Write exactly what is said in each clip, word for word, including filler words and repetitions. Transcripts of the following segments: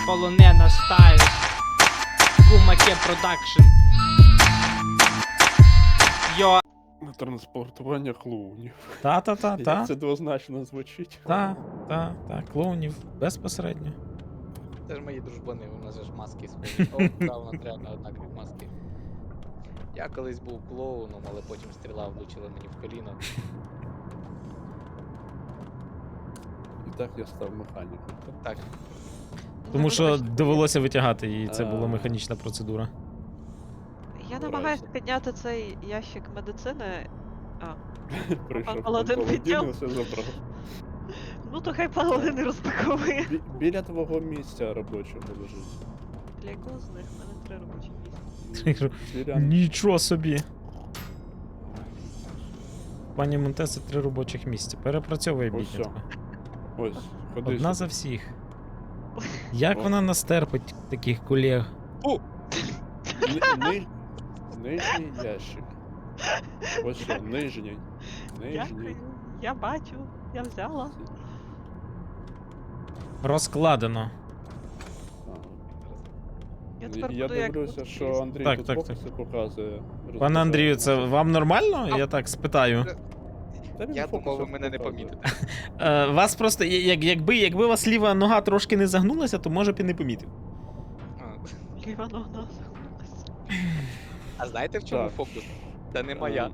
полонена стайл. Кумаке продакшн. Йо. На транспортування клоунів. Та-та-та-та. Як це двозначно звучить. Та, та, та, клоунів безпосередньо. Це ж мої дружбани, у нас же ж маски схожі. О, правда, реально однакові маски. Я колись був клоуном, але потім стріла влучила мені в коліно. І так я став механіком. Так, Тому що довелося витягати, і це була А. механічна процедура. Я намагаюся підняти цей ящик медицини. А, Прийшов пан Паладин Паладін підняв. і все забрав. ну то хай паладин не розпаковує. Бі- Біля твого місця робочого лежить. Для якого з них? У мене три робочі місця. Біля... Нічого собі. Пані Монтеса три робочих місця. Перепрацьовує Ось біднятко. Ось, ходи Одна сюди. за всіх. Як О. вона нас терпить, таких колег? Ни- ни- Нижній ящик. Ось що, нижній. Нижній. Дякую. Я бачу, я взяла. Розкладено. А. Я тепер Я буду як дивлюся, тут що лізти. Андрій Так, тут так, фокуси показує. Пане Андрію, це вам нормально? А. Я так спитаю. Та він я фокуси думав, ви мене не показує. помітите. Е, вас просто, я- як, якби, якби у вас ліва нога трошки не загнулася, то може б і не помітив. А, Ліва нога загнулась. А знаєте в чому Так. фокус? Та не моя.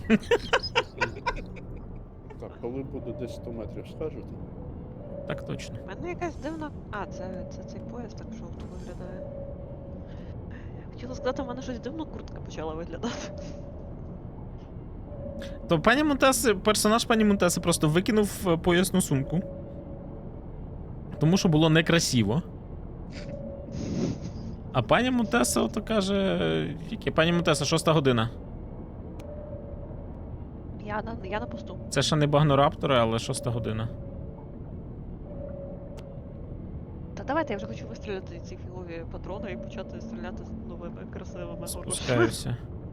Так, коли буде десь сто метрів, скажете? Так точно. У мене якась дивна. А, це, це цей пояс так жовто виглядає. Хотіла сказати, у мене щось дивно куртка почала виглядати. То пані Монтеси, персонаж пані Монтеси просто викинув е, поясну сумку. Тому що було некрасиво. А пані Монтеса ото каже. е, Яке? Пані Монтеса, шоста година. Я на, я на посту. Це ще не багнораптори, але шоста година. Та давайте, я вже хочу вистріляти ці фігові патрони і почати стріляти з новими красивими хорошими. Спускаюся.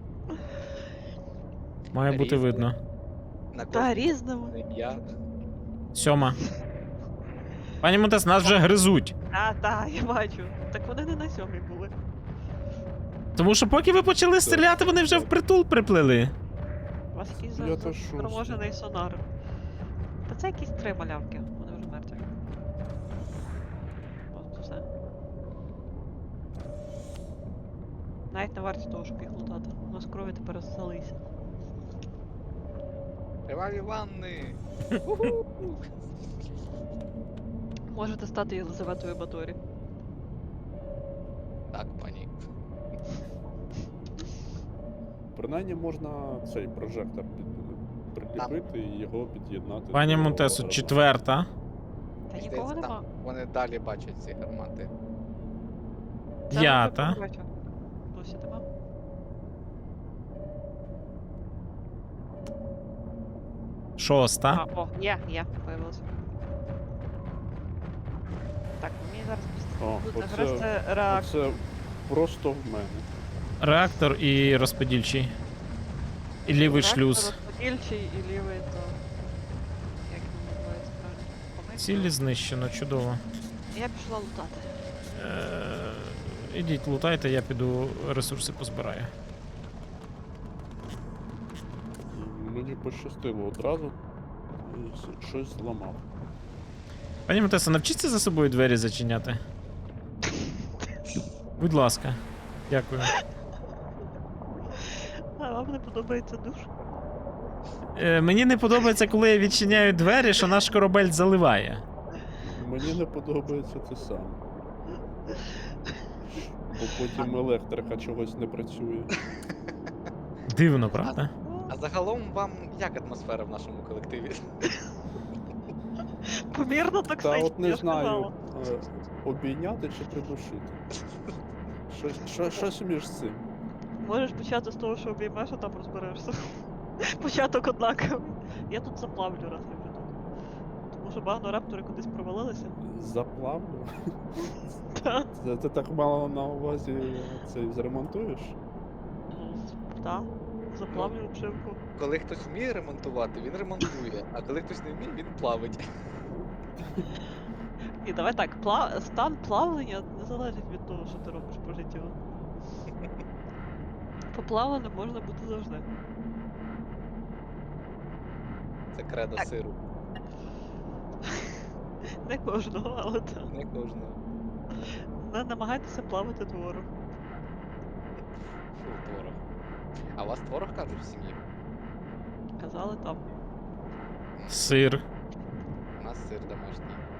Має бути Різно. видно. На Та кожній різними. ім'я. Сьома. Пані Монтес, нас вже гризуть. А, та, я бачу. Так вони не на сьомій були. Тому що поки ви почали стріляти, вони вже впритул приплили. У вас якийсь Я за- то за- шостий. заторможений сонар. Та це якісь три малявки, вони вже мертві. От все. Навіть не варті того, щоб їх лутати. У нас крові тепер залися. Криваві ванни. Можете стати Єлизаветою Баторі. Так, пані. Принаймні можна цей прожектор під... приліпити і його під'єднати. Пані до Монтесо, гармати. четверта. Та Мені нікого здається, нема. там Вони далі бачать ці гармати. Це П'ята. вже бачу. Досі нема. Шоста. А, о, є, є, появилося. Так, мені зараз О, буде оце- грести реактор. Це просто в мене. Реактор і розподільчий. І лівий Реактор, шлюз. розподільчий і лівий, то... Як він називається правильно? Помийка? Цілі знищено, чудово. Я пішла лутати. Е, Ідіть, лутайте, я піду ресурси позбираю. І мені пощастило одразу. І с- щось зламав. Пані Монтеса, навчіться за собою двері зачиняти. Будь ласка. Дякую. А вам не подобається душ? Е, мені не подобається, коли я відчиняю двері, що наш корабель заливає. Мені не подобається те саме. Бо потім електрика чогось не працює. Дивно, правда? А загалом вам як атмосфера в нашому колективі? Помірно Та токсично, от не я знаю, сказала. е, обійняти чи придушити. Щось, що- щось між цим. Можеш почати з того, що обіймеш, а там розберешся. Початок однаковий. Я тут заплавлю, раз я вже тут. Тому що багнораптори кудись провалилися. Заплавлю. Та. Це ти так мало на увазі цей зремонтуєш? Ну, так. Заплавлю обшивку. Коли хтось вміє ремонтувати, він ремонтує, а коли хтось не вміє, він плавить. І давай так, пла... стан плавлення не залежить від того, що ти робиш по життю. Поплавленим можна бути завжди. Це кредо Так. сиру. Не кожного, але так. Не кожного. Не намагайтеся плавати творог. Фу, творог. А у вас творог кажуть в сім'ї? Казали там. Сир. У нас сир домашній.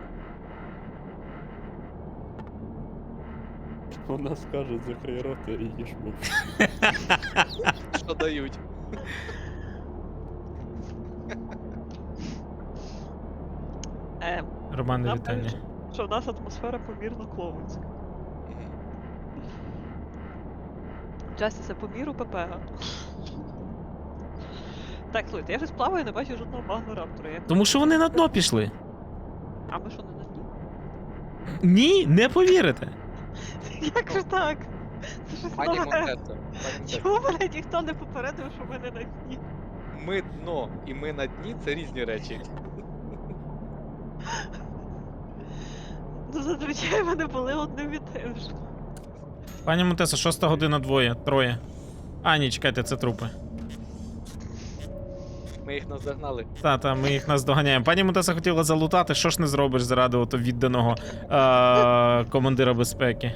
У нас кажуть, закрий рота і їж мух. Що дають? Е, Романе, Нам вітання. кажуть, що в нас атмосфера помірно клоунська. Мгм. Частіше по міру ПП. Так, слухайте, я щось плаваю, не бачу жодного багнораптора. Як... Тому що вони на дно пішли. А ми що не на дні? Ні, не повірите. Як же так? Це щось Пані нове. Монтесо, пані Монтесо, Чому мене ніхто не попередив, що ми не на дні? ми дно і ми на дні це різні речі. Ну, зазвичай вони були одним і тим ж. Пані Монтесо, шоста година двоє, троє. А, ні, чекайте, це трупи. Ми їх наздогнали. Та, та, ми їх наздоганяємо. Пані Монтесо хотіла залутати, що ж не зробиш заради ото відданого е- командира безпеки.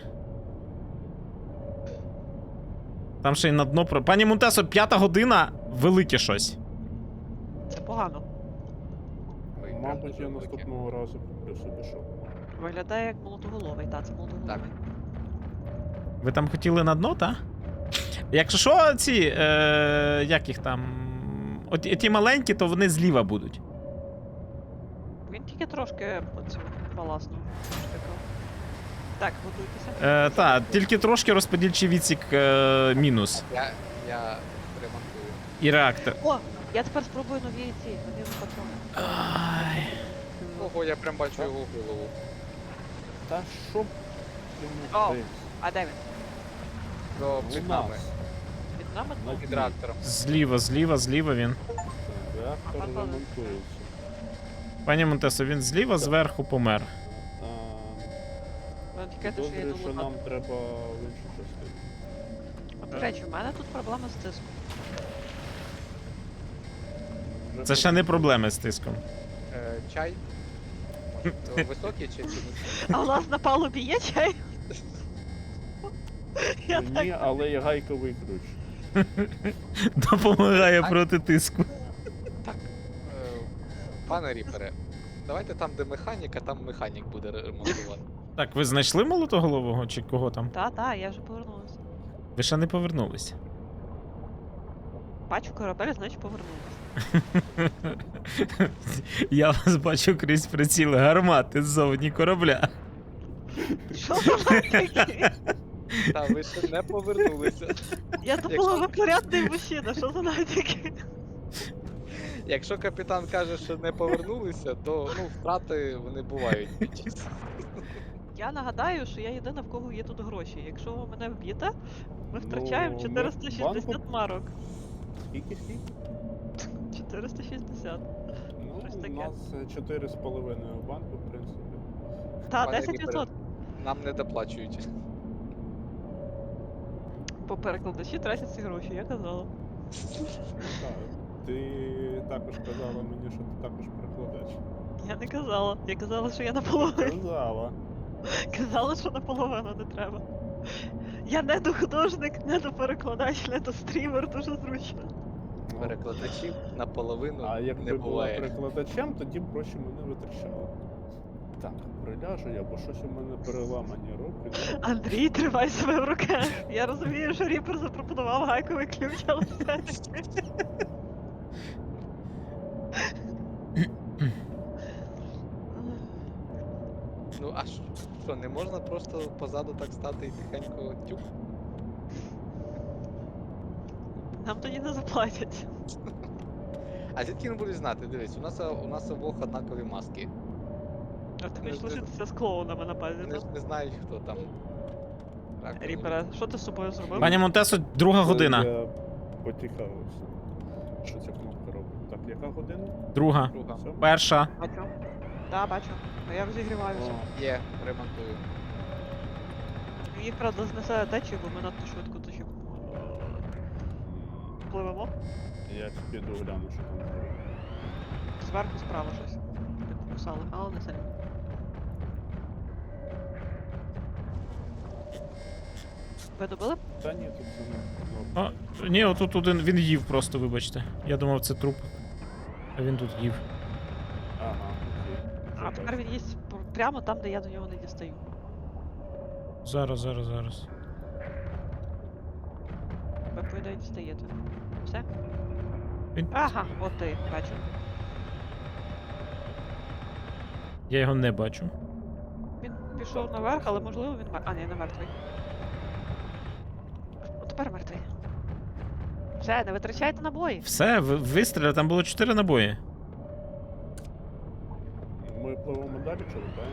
Там ще й на дно про. Пані Монтесо, п'ята година, велике щось. Це погано. Ой, прям Мабуть, дуже я великі. наступного разу куплю собі шоу. Виглядає як молотоголовий, та це молотоголовий. Так. Ви там хотіли на дно, та? Якщо що, ці. Е- як їх там. От ті маленькі, то вони зліва будуть. Він тільки трошки оцю баласну штуку. Так, готуйтеся. Е, та, тільки трошки розподільчий відсік е- мінус. Я, я ремонтую. І реактор. О, я тепер спробую нові ці, нові патрони. Ай. Ого, я прям бачу його голову. Та що б О. йому десь? А де він? До У під нас. нами. Під нами? На Під дні. реактором. Зліва, зліва, зліва він. Реактор Ага. ремонтується. Пані Монтесо, він зліва, зверху помер. А, Ну, тікайте, що я Підозрюю, йду що лутати. нам треба в іншу частину. А, До речі, в мене тут проблема з тиском. Вже Це ще не проблеми з тиском. Е, чай. Може, то високий чи чи низький? А у нас на палубі є чай? Я Ні, так... але є гайковий ключ. Допомагає А? проти тиску. Так. Е, пане Ріпере, давайте там, де механіка, там механік буде ремонтувати. Так, ви знайшли молотоголового чи кого там? Та, та, я вже повернулася. Ви ще не повернулися. Бачу корабель, значить повернулася. Я вас бачу крізь приціли гармати ззовні корабля. Що за таке? Та ви ще не повернулися. Я думала, ви порядний мужчина, що за натяки? Якщо капітан каже, що не повернулися, то ну, втрати вони бувають під час. Я нагадаю, що я єдина, в кого є тут гроші. Якщо ви мене вб'єте, ми втрачаємо ми чотириста шістдесят банку- марок. Скільки скільки? чотириста шістдесят. Ну, Щось у таке. нас чотири з половиною в банку, в принципі. Та, Пане десять Ріпере, відсотків. Нам не доплачують. По перекладачі тратять ці гроші, я казала. Ну, так. Ти також казала мені, що ти також перекладач. Я не казала. Я казала, що я наполовину. Казала. Казала, що наполовину не треба. Я не до художник, не до перекладач, не до стрімер, дуже зручно. Ну, Перекладачів наполовину А не якби була буває. перекладачем, тоді б гроші мене витрачала. Так, приляжу я, бо щось у мене переламані руки. Андрій, тримай себе в руках. Я розумію, що Ріпер запропонував гайковий ключ, але все-таки. Ну а що, що, не можна просто позаду так стати і тихенько тюк? Нам тоді не заплатять. А звідки не будуть знати? Дивись, у нас у нас обох однакові маски. А ти Не хочеш знаю. лишитися з клоунами на базі, Вони так? ж не знають, хто там. раковина. Ріпера, що ти з собою зробив? Пані Монтесо, друга година. Я потікавився. Що ця кнопка робить? Так, яка година? Друга. Друга. Сьома? Перша. Бачу. Да, бачу. А я розігріваюся. О, Є, ремонтую. Їх, правда, знесе течію, бо ми надто швидко течі пливемо. я піду гляну, що там. Зверху справа щось. Не покусали, але не сильно. Ви добили? Та ні, тут це не. Ну, А, ні, отут один він їв просто, вибачте. Я думав, це труп. А він тут їв. ага, окей. А Вже тепер бачу. він їсть пр- прямо там, де я до нього не дістаю. Зараз, зараз, зараз. Ви, по ідеї, дістаєте. Все? Він... Ага, от ти, бачу. Я його не бачу. Він пішов наверх, але можливо він мер... А, ні, не мертвий. От тепер мертвий. Все, не витрачайте набої. Все, ви- вистріли, там було чотири набої. Ми пливемо далі, чи летаємо?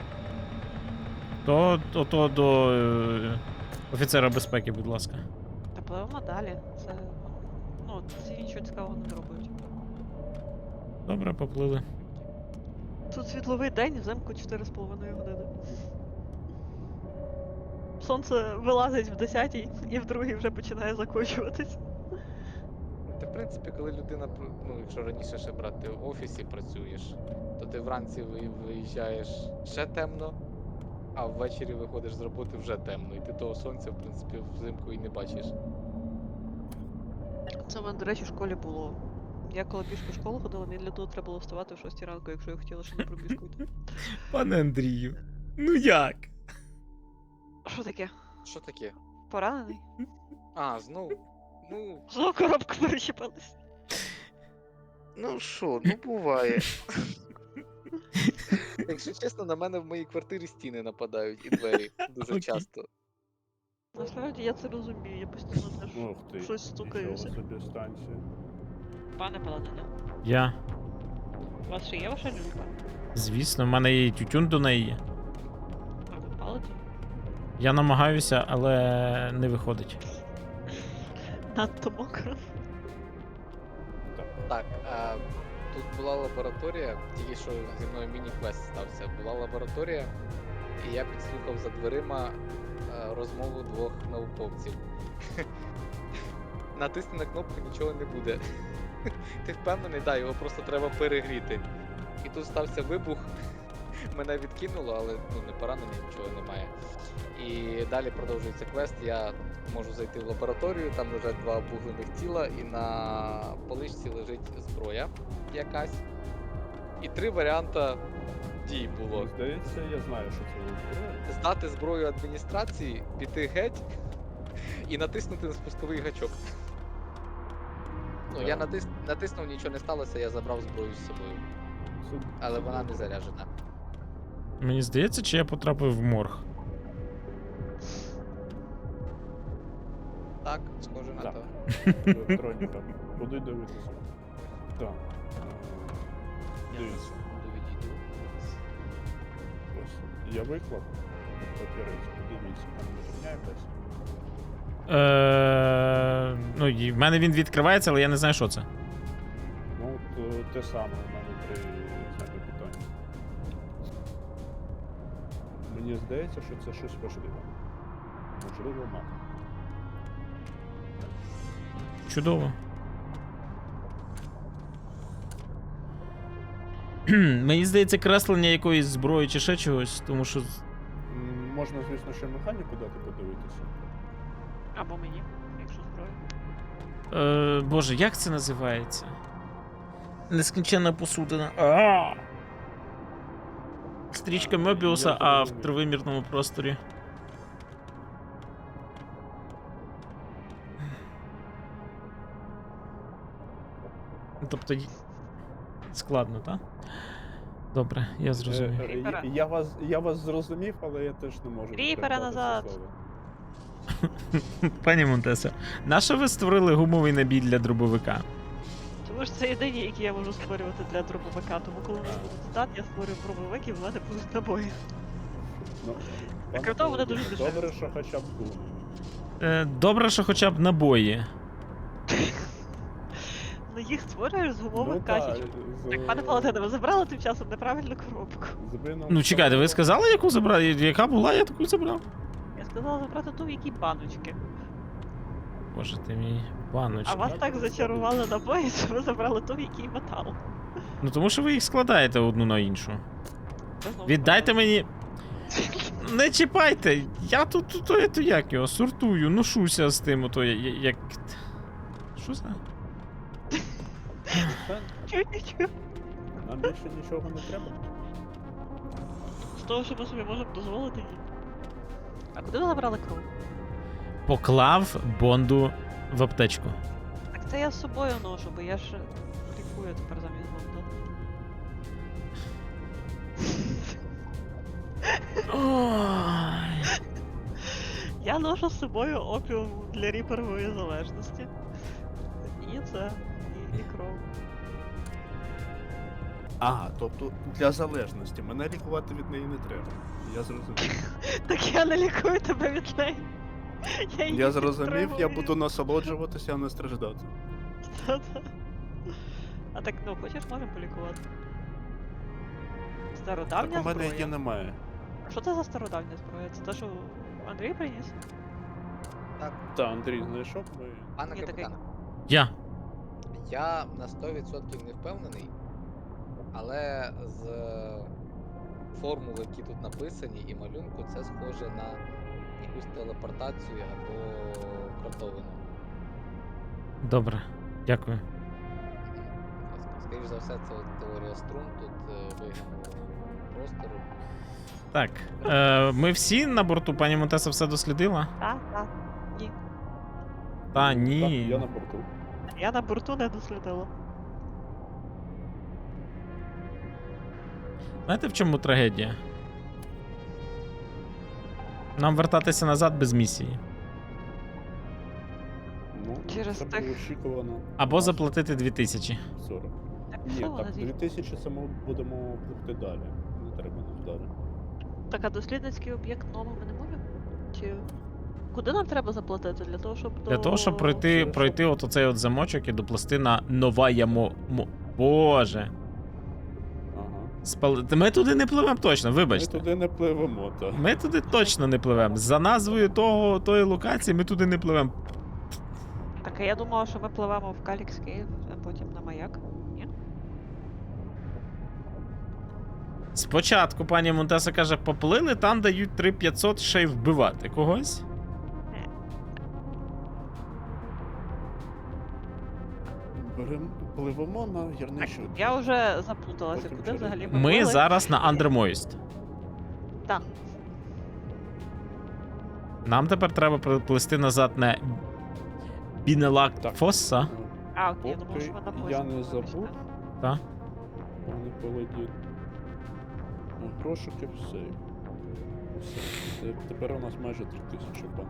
То, то, то до е, офіцера безпеки, будь ласка. Та пливемо далі. Це. Ну, ці нічого цікавого не зроблять. Добре, поплили. Тут світловий день, взимку чотири з половиною години. Сонце вилазить в десятій і в другій вже починає закочуватись. Ти, в принципі, коли людина, пр- ну, якщо раніше ще брати в офісі працюєш, то ти вранці ви- виїжджаєш ще темно, а ввечері виходиш з роботи вже темно. І ти того сонця, в принципі, взимку і не бачиш. Це в мене, до речі, в школі було. Я коли пішки в школу ходила, мені для того треба було вставати в шостій ранку, якщо я хотіла ще на пробіжку йти. Пане Андрію, ну як? Що таке? Що таке? Поранений? А, знов. Ну, Знову коробка перечепилась. ну що, ну буває. Якщо чесно, на мене в моїй квартирі стіни нападають і двері дуже Окей. часто. Насправді я це розумію, я постійно теж Ух ти. щось стукаюся. Нічого собі станція. Пане Паладине, Я. у вас ще є ваша люлька? Звісно, в мене є і тютюн до неї є. А ви палите? Я намагаюся, але не виходить. Надто мокро. Так. Так, а, тут була лабораторія, тільки що зі мною міні-квест стався. Була лабораторія, і я підслухав за дверима е, розмову двох науковців. Натисни на кнопку, нічого не буде. Ти впевнений, да, його просто треба перегріти. І тут стався вибух, мене відкинуло, але ну, не поранення, нічого немає. І далі продовжується квест. Я можу зайти в лабораторію, там лежать два обуглених тіла, і на поличці лежить зброя якась. І три варіанти дій було. Мені здається, я знаю, що це зброя. Здати зброю адміністрації, піти геть і натиснути на спусковий гачок. Ну, я Да. натис... натиснув, нічого не сталося, я забрав зброю з собою. Це- Але це вона не добре. заряджена. Мені здається, чи я потрапив в морг. Так, схоже на Так. то. Електроніка. Куди дивитися? Так. е, Дивіться. Буду відійду. Ось. Я виклав папірець. Подивіться, там не рівняє десь. Е, ну, і в мене він відкривається, але я не знаю, що це. Ну, от, е, те саме у мене три знаки питання. Мені здається, що це щось важливе. Можливо, мапа. Чудово. Мені здається, креслення якоїсь зброї чи ще чогось, тому що. М, Можна, звісно, ще механіку дати подивитися. Або мені, якщо зброя. Е, Боже, як це називається? Нескінченна посудина. А! Стрічка Мебіуса, Я а в зрозумів. тривимірному просторі. Ну, Тобто. й- Складно, так? Добре, я зрозумів. Е, е, Кріпера. я, я, вас, я вас зрозумів, але я теж не можу. Кріпера передати це назад. слово. Пані Монтесо, на що ви створили гумовий набій для дробовика? Тому що це єдині, які я можу створювати для дробовика, тому коли у нас буде стат, я створюю дробовик і в мене будуть набої. Ну, А пане крім того, буде Володимире, дуже добре, що хоча б гум. Е, добре, що хоча б набої. Ну їх створюєш з гумових Ну, та, качечок. з- Так, пане Паладине, ви забрали тим часом неправильну коробку. з вином Ну чекайте, ви того- сказали, яку забрали? Яка була, я таку забрав. Я сказала забрати ту, в якій баночки. Боже ти мій, А паночка. вас так так розказуй. зачарували набої, що ви забрали ту, в якій метал. Ну тому що ви їх складаєте одну на іншу. Ви знову Віддайте сказали. мені. Не чіпайте! Я тут, тут, то, то як його, сортую, ношуся з тим, ото я- я- як. Що за? Та, Чу-чу-чу. Нам більше нічого не треба. З того, що ми собі можемо дозволити, ні. А куди ви забрали кров? Поклав Бонду в аптечку. Так це я з собою ношу, бо я ж лікую тепер замість бонда. Ой. Я ношу з собою опіум для ріперової залежності. І це, і, і кров. А, тобто для залежності. Мене лікувати від неї не треба. Я зрозумів. Так я не лікую тебе від неї. Я, її Я зрозумів, я підтримую. буду насолоджуватися, а не страждати. Та-та. А так, ну, хочеш, можемо полікувати. Стародавня Так у мене зброя. її немає. Що це за стародавня зброя? Це те, що Андрій приніс? Так, Та, Андрій знайшов ми. пане Ні, такий. капітане, Я. я на сто відсотків не впевнений, але з е, формул, які тут написані, і малюнку, це схоже на якусь телепортацію або кротовину. Добре, дякую. Скоріше за все, це от теорія струн, тут е, вигнаного простору. Так. Е, ми всі на борту, пані Монтеса все дослідила? Так, так. Ні. Та Так, ні. я на борту. Я на борту не дослідила. Знаєте, в чому трагедія? Нам вертатися назад без місії. Ну, Через це тих- було очікувано. Або заплатити дві тисячі. сорок. Так, Ні, що так, вона дві звідти? тисячі це ми будемо пливти далі. Не треба нам далі. Так, а дослідницький об'єкт новий ми не можемо? Чи. Куди нам треба заплатити? Для того, щоб Для до... того, щоб пройти, Це пройти от оцей от замочок і доплести на нова ямо. мо- Боже. Ага. Спали... Ми туди не пливемо точно, Ми вибачте. туди не пливемо, так. Ми туди точно не пливемо. За назвою того, тої локації ми туди не пливемо. Так, а я думала, що ми пливемо в Калікс Кейв, а потім на маяк. Ні? Спочатку пані Монтеса каже, поплили, там дають три п'ятсот ще й вбивати когось. Берем, пливемо на Так, гірничу. я вже заплуталася, Потім куди через- взагалі ми Ми плили. зараз на Андермоїст. Так. Нам тепер треба приплисти назад на Бінелак Так. Фосса. А, окей, я думала, Поки що ми на я поїзді. не забув. Та? Пане Паладін. Грошики в сейф. Все. Те- Тепер у нас майже три тисячі бан.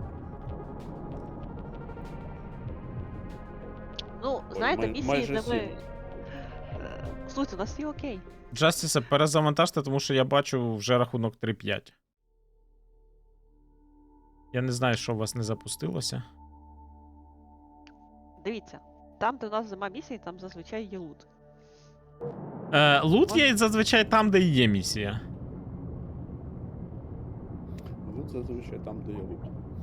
Ну, Ой, знаєте, май- місії, майже де ми... сім. Е, Слухайте, у нас всі окей. Джастісе, перезавантажте, тому що я бачу вже рахунок три п'ять. Я не знаю, що у вас не запустилося. Дивіться, там, де у нас зима місії, там зазвичай є лут. Е, лут є зазвичай там, де і є місія. Лут зазвичай там, де є лут.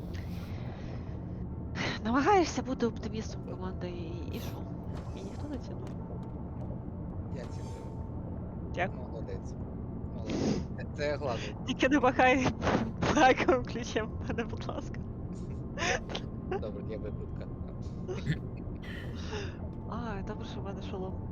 Намагаєшся бути оптимістом команди і, і що? І ніхто не цінує. Я ціную. Дякую. Молодець. Молодець. Це- Це я гладу. Тільки не махай флаговим ключем в мене, будь ласка. Добре, є викрутка. А, добре, що в мене шолом.